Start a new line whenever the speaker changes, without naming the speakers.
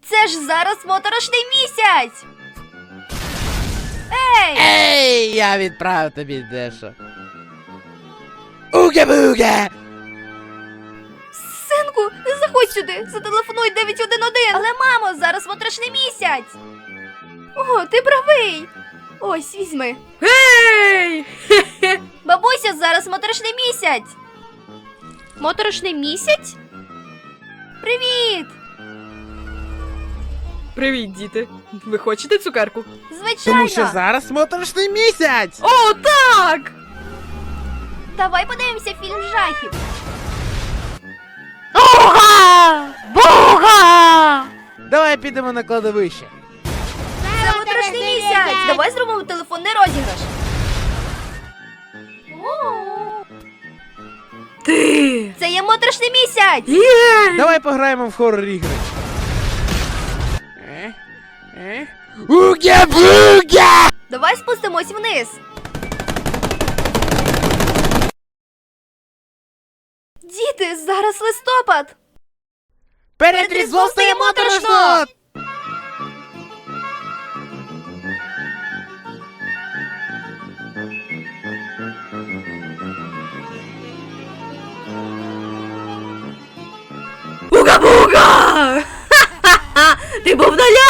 Це ж зараз моторошний місяць! Ей!
Ей, я відправив тобі дещо. Уге-буге!
Синку, не заходь сюди, зателефонуй 911. Але, мамо, зараз моторошний місяць. О, ти правий. Ось, візьми.
Гей!
Бабуся, зараз моторошний місяць. Моторошний місяць? Привіт!
Привіт, діти. Ви хочете цукерку?
Звичайно.
Тому що зараз моторошний місяць!
О, так!
Давай подивимося фільм жахів.
Буга! Буга!
Давай підемо на кладовище.
Це моторошний місяць. Давай зробимо телефонний розіграш.
Ти!
Це є моторошний місяць.
Є!
Давай пограємо в хоррор ігри. Уге-буге!
Давай спустимось вниз. Діти, зараз листопад.
Перед Різдвом стає моторошно!
Буга-буга! Ха-ха-ха! Ти був на